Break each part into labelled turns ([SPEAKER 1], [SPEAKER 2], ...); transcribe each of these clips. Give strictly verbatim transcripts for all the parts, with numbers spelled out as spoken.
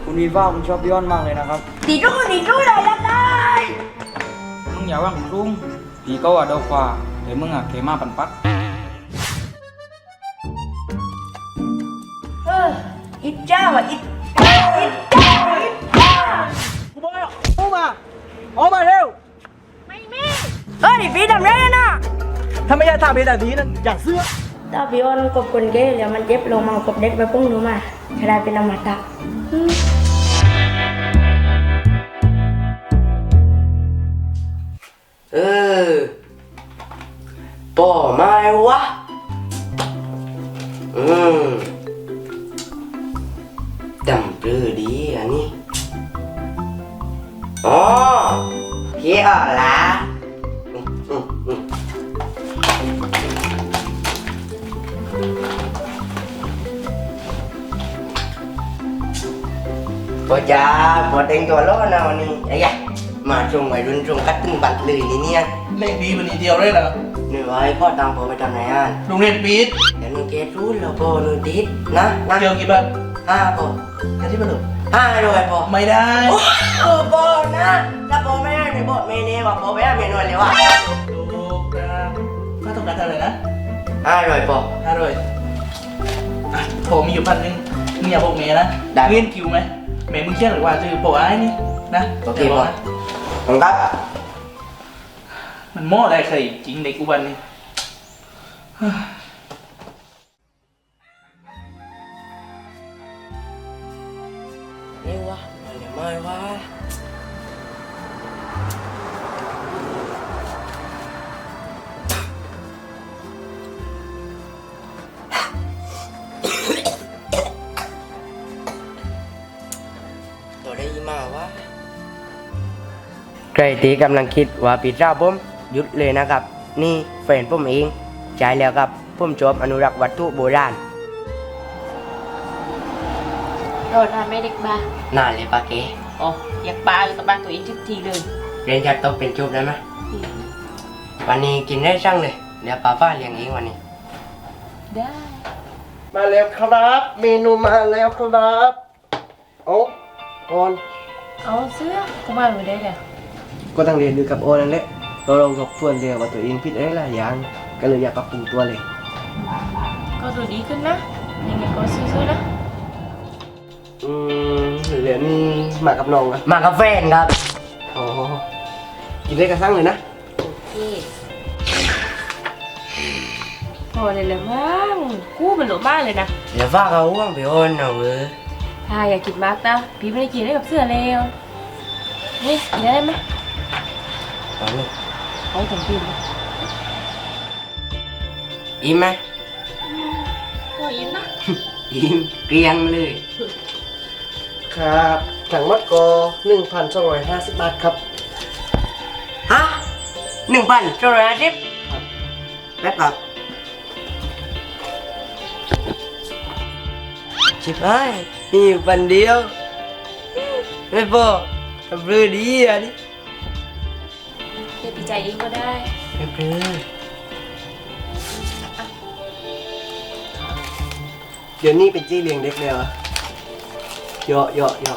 [SPEAKER 1] คุณวีฟ้าคุณชอบพี่อ้อนมากเลยนะครับ
[SPEAKER 2] ตีรู้ตีรู้เลยละได้
[SPEAKER 3] มึงอย่าว่างรุ่งผีก็ว่าดอกว่าแต่มึงอะเขมาปันปัก
[SPEAKER 2] เอออิจฉาว่ะอิจฉาอิจฉาอิจฉา
[SPEAKER 1] กูบอกให้ออกมาออกมาเร็ว
[SPEAKER 2] เออดิพี่ทำไรอะนะ
[SPEAKER 1] ถ้าไม่ใช่ทำเป็นแบบนี้นะอย่าเสื้อ
[SPEAKER 2] ถ้าพี่อ้อนกบคนเก๋แล้วมันเจ็บลงมากบเด็กไปพุ่งหนูมาจะได้เป็นอมตะอืม
[SPEAKER 4] เออป่อไม้วะ อืมจำปลือดีอันนี้ อ๋อเฮียอ่ะละอืมอืมอืมพอจ้าพอเต็งตัวล้อนะวันนี้ไอ้ยะมาชงวัยรุ่นชงกัดตึงบัตรเลยนี่เนี่ย
[SPEAKER 1] เล่นดีวันนี้เดียวเลยเหรอ
[SPEAKER 4] หนูไว้พ่อตามพ่อไปทำไหนอ่ะ
[SPEAKER 1] โรงเรียนปีด
[SPEAKER 4] เดี๋ยวหนูเกตรู้แล้วพ่อหนูติดนะนะ
[SPEAKER 1] เกี่ยวกี่บาท
[SPEAKER 4] ห้าพ่อ
[SPEAKER 1] แค่ที่มันหลุด
[SPEAKER 4] ห้าด้วยพ่อ
[SPEAKER 1] ไม่ได้
[SPEAKER 4] โอ้เออพ่อนะถ้าพ่อไม่ได้หนูบอกเมเน่ว่าพ่อไปหาเมนูเลยว่ะ
[SPEAKER 1] ถูกครับถ้าต้องการเท่าไหร่นะ
[SPEAKER 4] ห้าด้วยพ่อ
[SPEAKER 1] ห้าร้อยอ่ะผมมีอยู่พันหนึ่งมึงอย่าบอกเมย์นะ
[SPEAKER 4] ได้
[SPEAKER 1] เรียนคิวไหมเมย์มึงเชื่อหรือว่าจะบอกไอ้นี่นะ
[SPEAKER 4] โอเค
[SPEAKER 1] ย่าบ
[SPEAKER 4] พ่
[SPEAKER 1] อ
[SPEAKER 4] อก
[SPEAKER 1] นะ
[SPEAKER 4] ผมครับ
[SPEAKER 1] มันโม้อะไรใครจริงเด็กอุบันนี่
[SPEAKER 4] นี่วะมันยังไม่วะตัวได้ยี่มาวะใครที่กำลังคิดว่าปิดเจ้าผมหยุดเลยนะครับ นี่แฟนผมเองใช่แล้วครับผมชอบอนุรักษ์วัตถุโบราณ
[SPEAKER 5] โดนทำไม่เด็กบ้า
[SPEAKER 4] น่าเลยปาเก
[SPEAKER 5] อ๋ออยากบ้าอยู่กับบ้านตัวเองทุกทีเลย
[SPEAKER 4] เรียนจากโต๊ะเป็นชุบได้ไหมวันนี้กินได้ช่างเลยเดี๋ยวป้าฟ้าเลี้ยงเองวันนี้
[SPEAKER 5] ได้
[SPEAKER 6] มาแล้วครับ เมนูมาแล้วครับโอ้โอน
[SPEAKER 5] เอาเสื้อก็มาไม่ได้เลย
[SPEAKER 6] ก็ต้องเรียนดูกับโอนนั่นแหละเราลองทบทวนเรียนว่าตัวเองผิดอะไรหลายอย่างก็เลยอยากปรับปรุงตัวเลย
[SPEAKER 5] ก็ดูดีขึ้นนะยังไงก็สู้ๆนะ
[SPEAKER 6] อืมเรียนมากับน้องอะ
[SPEAKER 4] มากับแฟนครับ
[SPEAKER 6] อ๋อกินได้กระซังเลยนะ
[SPEAKER 5] โอเคพอเลยแหละมั้งกู้มันหลบมากเลยนะ
[SPEAKER 4] เดี๋ยวฟ้าเขาห่วงไปโอนเอาเว้ย
[SPEAKER 5] ถ้าอยากกินมากนะพี่ไม่ได้กินได้กับเสื้อแล้วนี่กินได้ไหม
[SPEAKER 4] เอาลูก
[SPEAKER 5] เอาถึงกิน
[SPEAKER 4] อิ่มไหม
[SPEAKER 5] ก็อิ่มนะ
[SPEAKER 4] อิ่มเกลียงเลย
[SPEAKER 6] ครับถังมัดก็หนึ่งพันสองร้อยห้าสิบบาทครับ
[SPEAKER 4] ฮะหนึ่งพันสองร้อยห้าสิบแป๊บครับชิบหายมีอยู่พันเดียวไม่พอทำเรื่องดีอ่ะดิ
[SPEAKER 5] เดี๋ยวพี่ใจเองก็ได้
[SPEAKER 4] ไม่เพื่อ
[SPEAKER 6] เดี๋ยวนี้เป็นจี้เลี้ยงเด็กแล้วอะเหยาะเหยาะเหยาะ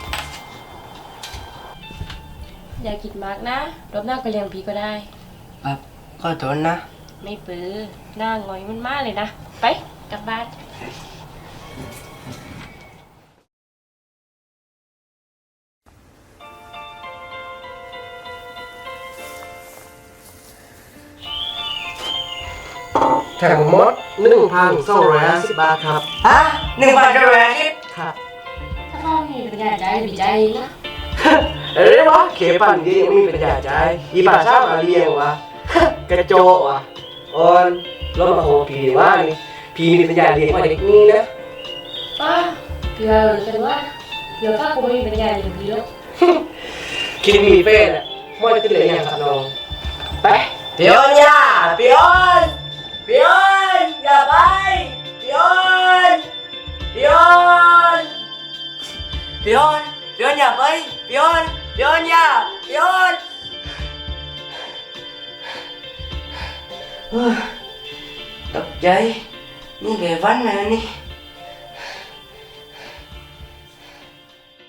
[SPEAKER 5] อยากกินมากนะรอบหน้าก็เลี้ยงพี่ก็ได้
[SPEAKER 4] ครับขอโทษนะ
[SPEAKER 5] ไม่ปื้อหน้าหงอยมันมากเลยนะ ไปกลับบ้าน
[SPEAKER 6] ถังมดหนึ่งพันสองร้อยห้าสิบบาทครับ
[SPEAKER 4] ฮะหนึ่งพันสองร้อยห้าสิบ
[SPEAKER 6] ครับ
[SPEAKER 5] ถ้าพ่อมีปัญญาใจพี่ใจเองนะ
[SPEAKER 6] เอ้ยวะเขปั่นดียังมีปัญญาใจอีป่าชามาเลี้ยงวะ กระโจวะออนรถมาโหผีว่านี่ผีมีปัญญาเลี้ยงกว่าเด็กนี่นะ
[SPEAKER 5] ป้าเผื่อกันว่าเดี๋ยวข้าคงไม่มีปัญญาอย่างพี่แล้ว
[SPEAKER 6] คิดมีเฟ้น่ะไม่ขึ้นเลยอย่างครับน้องไป
[SPEAKER 4] พี่ออนอย่าพี่ออนพี่ออนอย่าไปพี่ออนพี่ออนพี่ออนพี่ออนอย่าไปพี่ออนพี่ออนอย่าพี่ออนเฮ้ยตกใจนี่แกวันนะนี่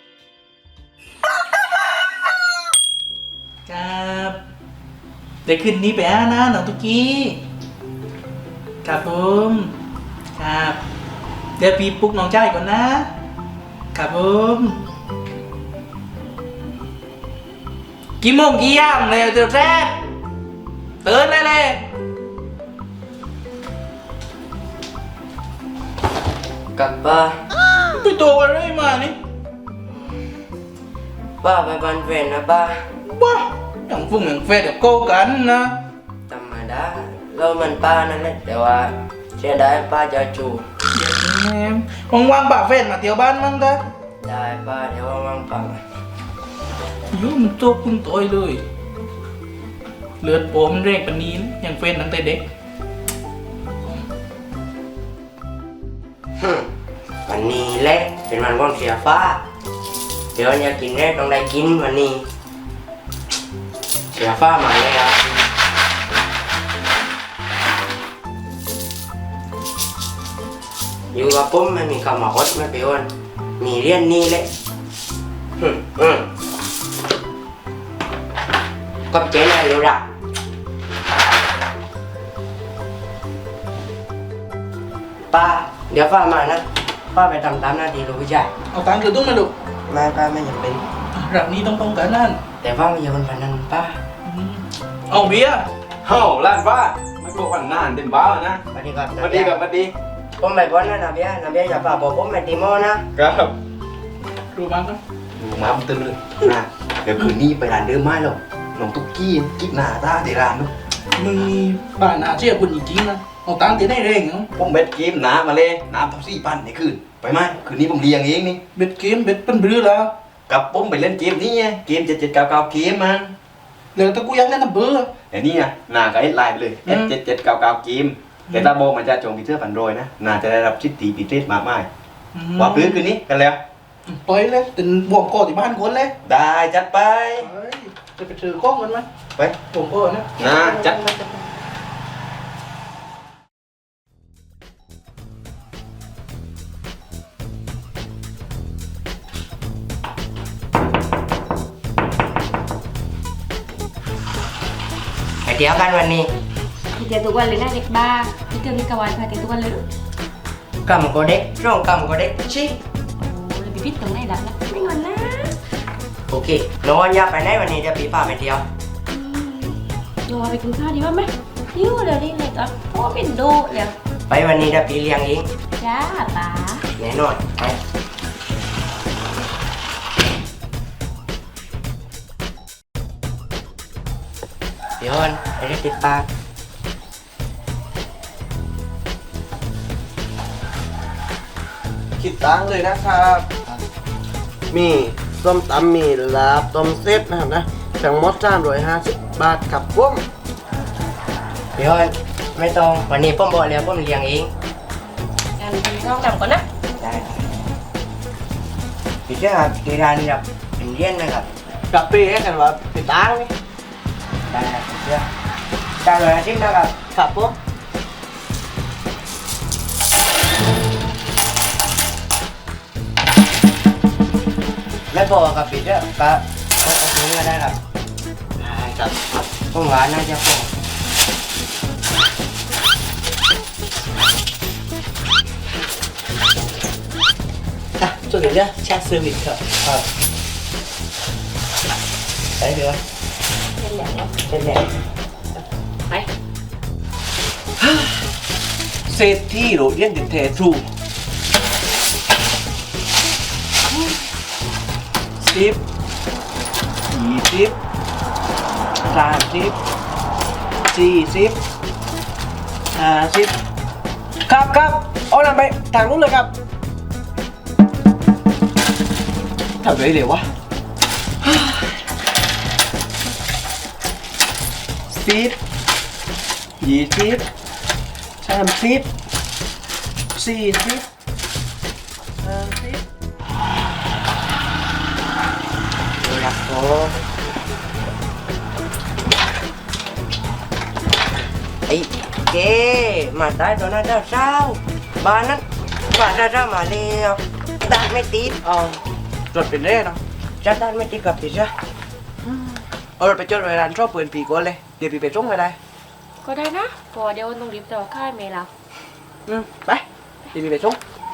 [SPEAKER 1] เดี๋ยวคืนนี้ไปอานะน้องตุกกี้ครับผมครับเดี๋ยวพี่ปลุกน้องจ้ายก่อนนะครับผมกี่โมงกี่ยามเลยเดี๋ยวแรกเตือนเลยเลย
[SPEAKER 4] กลับป้า
[SPEAKER 1] ไปตัวอะไรมานี่
[SPEAKER 4] ป้าไปบ้านแฟนนะป้า
[SPEAKER 1] บ้าอย่างฟุ้งอย่างเฟดเดี๋ยวโกกันนะ
[SPEAKER 4] ธรรมดาเรามันป้านั่นแหละแต่ว่าเสียดายป้าจะจู
[SPEAKER 1] ว่างว่างๆป่าเฟดมาเที่ยวบ้านมั้งกะ
[SPEAKER 4] ได้ป้าเดี๋ยวว่างๆป้า
[SPEAKER 1] ยุ่มนตัวพึ่งตัวเลยเลือดโปมันเร่งปานนี้นะอย่างเฟดตั้งแต่เด็ก
[SPEAKER 4] ฮึมวันนี้แหละเป็นวันของเสียฟ้าเดี๋ยวอยากกินแรกต้องได้กินวันนี้เสียฟ้ามาแล้วอยู่กับผมไม่มีคำมาฮดไม่ไปอ้วนมีเรียนนี่แหละฮึมอืมก็เจ๊นายรู้ละป้าเดี๋ยวฟ้ามานะป้าไปทำตามหน้าที่ลูกผู้ชาย
[SPEAKER 1] เอาตังค์คือตุ้งมาดู
[SPEAKER 4] ไม่ป้าไม่จำเป็น
[SPEAKER 1] แบบนี้ต้องป้องกันนั่น
[SPEAKER 4] แต่ว่าไม่ใช่คนพันนั้นป้า
[SPEAKER 1] อืมเอาเบียร์
[SPEAKER 3] เฮ้าล้านว่าไม่บอกวันนานเต็มบ้านะ
[SPEAKER 4] สวัสดีครับ
[SPEAKER 3] สวัสดีครับสวัสดี
[SPEAKER 4] ผมไปพ้นนะนาเบียนาเบียอย่าฝากบอกผมไปตีโมนะครับ
[SPEAKER 1] ดูบ้างครับ
[SPEAKER 6] ดูมาผมตื่นเลยนะเดี๋ยวคืนนี้ไปร้านเดิมไม่หรอกน้องตุ๊กกี้กิ๊กหน้าตาเดร้านนู้น
[SPEAKER 1] มึงมีบ้านอาเชี่ยคุณจริงๆนะเอาตังค์ที่ได้เร่งเนาะ
[SPEAKER 6] ผมเบ็ดเกมน้ำมาเลยน้ำท็อปซี่ปั้นในคืนไปไหมคืนนี้ผมเลี้ยงเองนี่
[SPEAKER 1] เบ็ดเกมเบ็ดเป็นบรือแล้ว
[SPEAKER 6] กับผมไปเล่นเกมนี้ไงเกมเจ็ดเจ็ดเก้าเก้าเกมมัน
[SPEAKER 1] เหลือแต่กูยังเล่นน้ำเบื่อ
[SPEAKER 6] แต่นี่อ่ะนาก็เอ็ดไลน์ไปเลย
[SPEAKER 1] อื
[SPEAKER 6] เอ็ด
[SPEAKER 1] ม
[SPEAKER 6] เจ็ดเจ็ดเก้าเก้าเกมแต่ตาโบมันจะจงพีเตอร์พันโรยนะนาจะได้รับชิดตีปีเตสมากมายว่าพื้นคืนนี้กันแล้ว
[SPEAKER 1] ปล่อยเลยเป็นบ่วงกอที่บ้านคนเลย
[SPEAKER 6] ได้จัดไป
[SPEAKER 1] เฮ้ยจะไปถือข้องกันไหม
[SPEAKER 6] ไป
[SPEAKER 1] บ่วงกอนะ
[SPEAKER 6] นะจัด
[SPEAKER 4] ไปเที่ยวกันวันนี้
[SPEAKER 5] พี่เจอทุกวันเลยนะเด็กบ้าพี่เจอพี่กวันพาเจอทุกวันเลยลูก
[SPEAKER 4] กำก็เด็กร่องกำก็เด็กชิ
[SPEAKER 5] โอ้เลยพี่พิษตรงไหนดับนะไม่งอนนะ
[SPEAKER 4] โอเคน้องอยากไปไหนวันนี้เดี๋ยวพี่พาไปเที่ยว
[SPEAKER 5] อืมโยไปกินข้าวดีกว่าไหมยิ้วเดี๋ยวนี้เลยก็โอ้เป็นดูเลย
[SPEAKER 4] ไปวันนี้เดี๋ยวพี่เลี้ยงเอง
[SPEAKER 5] จ้าป๋า
[SPEAKER 4] แน่นอนไปเดี๋ยวก่อนไปเรียกติดปาก
[SPEAKER 6] คิดตังค์เลยนะครับ มีส้มตำมีลาบต้มเซตนะครับนะทั้งหมดสามร้อยห้าสิบบาทครับผม
[SPEAKER 4] เดี๋ยวก่อนไม่ต้องวันนี้ผมบอกแล้วผมเลี้ยงเอง
[SPEAKER 5] กันน้องดำก่อนนะ
[SPEAKER 4] ได้ครับพี่เจ้าครับที่ร้านนี้ครับเป็นเลี้ยนนะครับ
[SPEAKER 6] กับปีให้กันว่าติดตังค์นี่
[SPEAKER 4] ได้ครับพี่เจ้าจ้างเลยอาทิตย์นะครับ
[SPEAKER 6] ครับผม
[SPEAKER 4] ไม่พอครับพี่เจ้าก็ก็เอาถุงก็ได้ครับ
[SPEAKER 6] ได้ครับ
[SPEAKER 4] ผมว่าน่าจะพอ
[SPEAKER 1] อ่ะส่วนเดี๋ยวแชทเซอร์วิสครับ
[SPEAKER 4] ครับไปเดี๋ยว
[SPEAKER 5] เป็นอย่างเนาะ
[SPEAKER 4] เป็นแหละ
[SPEAKER 5] ไป
[SPEAKER 6] เซตที่โรเลียนดิเททรูสิบยี่สิบสามสิบสี่สิบห้าสิบครับครับเอานำไปทางนู้นเลยครับทำไรเดี๋ยววะสิบยี่สิบสามสิบสี่สิบห้าสิบ
[SPEAKER 4] ดูนะโอ้ไอ้เก๋มาตายตอนนั้นเจ้าเช้าบ้านนั้นบ้านนั้นเจ้ามาเลี้ยวตาไม่ติด
[SPEAKER 6] เอาจดเป็นเร่เนาะ
[SPEAKER 4] จ้าตาไม่ติดกับพี่เจ้า
[SPEAKER 6] เอารถไปจดไว้ร้านชอบปืนผีก่อนเลยเดี๋ยวพี่ไปส่งไปได้
[SPEAKER 5] ก็ได้นะเพอเดี๋ยวต้องรีบต่อค่ายเมล่ะ
[SPEAKER 6] อืมไปเดี๋ยวพี่ไปส่ง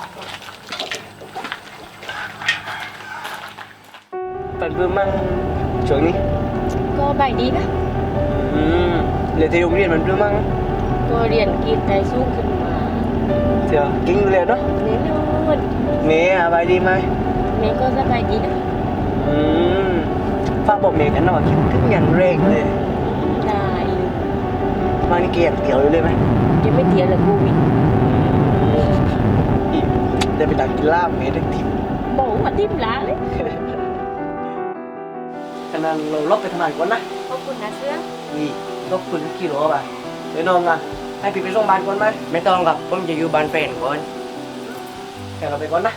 [SPEAKER 6] เป็นเพื่อนมั่งช่วงนี้
[SPEAKER 5] ก็ใบดีนะ
[SPEAKER 6] อืมเรียนที่โรงเรียนมันเพื่อนมั่ง
[SPEAKER 5] ก็เรียนกีตาร์สูงขึ้นมา
[SPEAKER 6] เดี๋ยวกิ้งอยู่เลยเนาะ
[SPEAKER 5] แน่นอน
[SPEAKER 6] เมย์อะไรดีไหม
[SPEAKER 5] เมย์ก็สบายดีนะ
[SPEAKER 6] อืมฝากบอกเมย์กันหน่อยคิดถึงยันเร่งเลย
[SPEAKER 5] ได้
[SPEAKER 6] มานี่เกียร์เกี่ยวอยู่เลยไหม
[SPEAKER 5] ยังไม่เตียนเลยกูวิด
[SPEAKER 6] อีกเดี๋ยวไปดักกินลาบเมย์ทั้งที
[SPEAKER 5] บอกว่าทิมล้าเลย
[SPEAKER 6] ขนาดเราลบไปทำงานก่อนนะ
[SPEAKER 5] ขอบคุณนะเสื้อ
[SPEAKER 6] นี่ลบคุณกี่โลป่ะเดี๋ยวนอนกันให้พี่ไปส่งบ้านก่อนไหม
[SPEAKER 4] ไม่ต้องครับผมจะอยู่บ้านแฟนก่อน
[SPEAKER 6] แค่เราไปก่อนนะ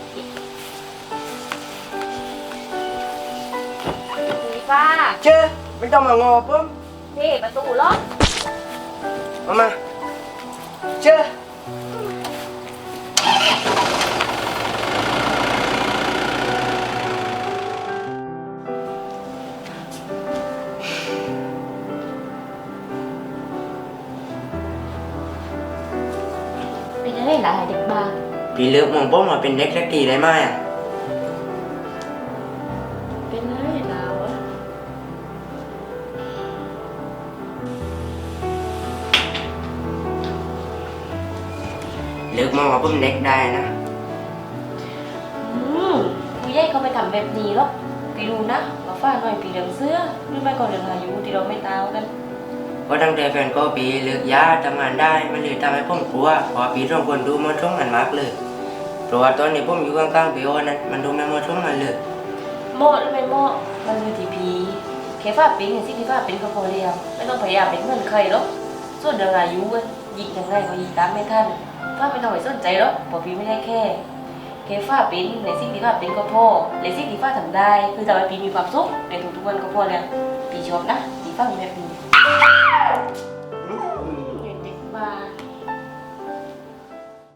[SPEAKER 5] สีฟ้า
[SPEAKER 6] เจ้ไม่ต้องมางอผม
[SPEAKER 5] นี่ประตูล็อก
[SPEAKER 6] มามาเจ้
[SPEAKER 5] เป็นอะไรหลายเด็กบ้า
[SPEAKER 4] พี่เลิกมองผมว่าเป็นเด็กสักทีได้ไหมอ่ะ
[SPEAKER 5] เป็นอะไรเราอะ
[SPEAKER 4] เลิกมองว่าผมเด็กได้นะ
[SPEAKER 5] อืมผู้ใหญ่เขาไม่ทำแบบนี้หรอกพี่รู้นะว่าฝ้าหน่อยปีเหลืองเสื้อหรือไม่ก็เหลืองอายุที่เราไม่ตาวกัน
[SPEAKER 4] ก็ตั้งแต่แฟนก็ปีเลิกยาทำงานได้มันเลยทำให้ผมกลัวเพอปีสองคนดูมันช่องกันมากเลยเพราะว่าตอนนี้ผมอยู่ข้างๆพี่โอนั้นมันดูไม่มาช่องกันเลย
[SPEAKER 5] เหมาะหรือไม่เหมาะมันอยู่ที่พีเคฟ้าเป็นอย่างที่เคฟ้าเป็นก็พอเดียวไม่ต้องพยายามเป็นเหมือนใครหรอกส่วนเรื่องอายุอะยิงยังไงก็ยิงตามไม่ทันฟ้าไม่ต้องไปสนใจหรอกเพราะพีไม่ได้แค่เคฟ้าเป็นในสิ่งที่ฟ้าเป็นก็พอในสิ่งที่ฟ้าทำได้คือทำให้พีมีความสุขในทุกๆวันก็พอแล้วพีชอบนะพีฟ้ามีแบบนี้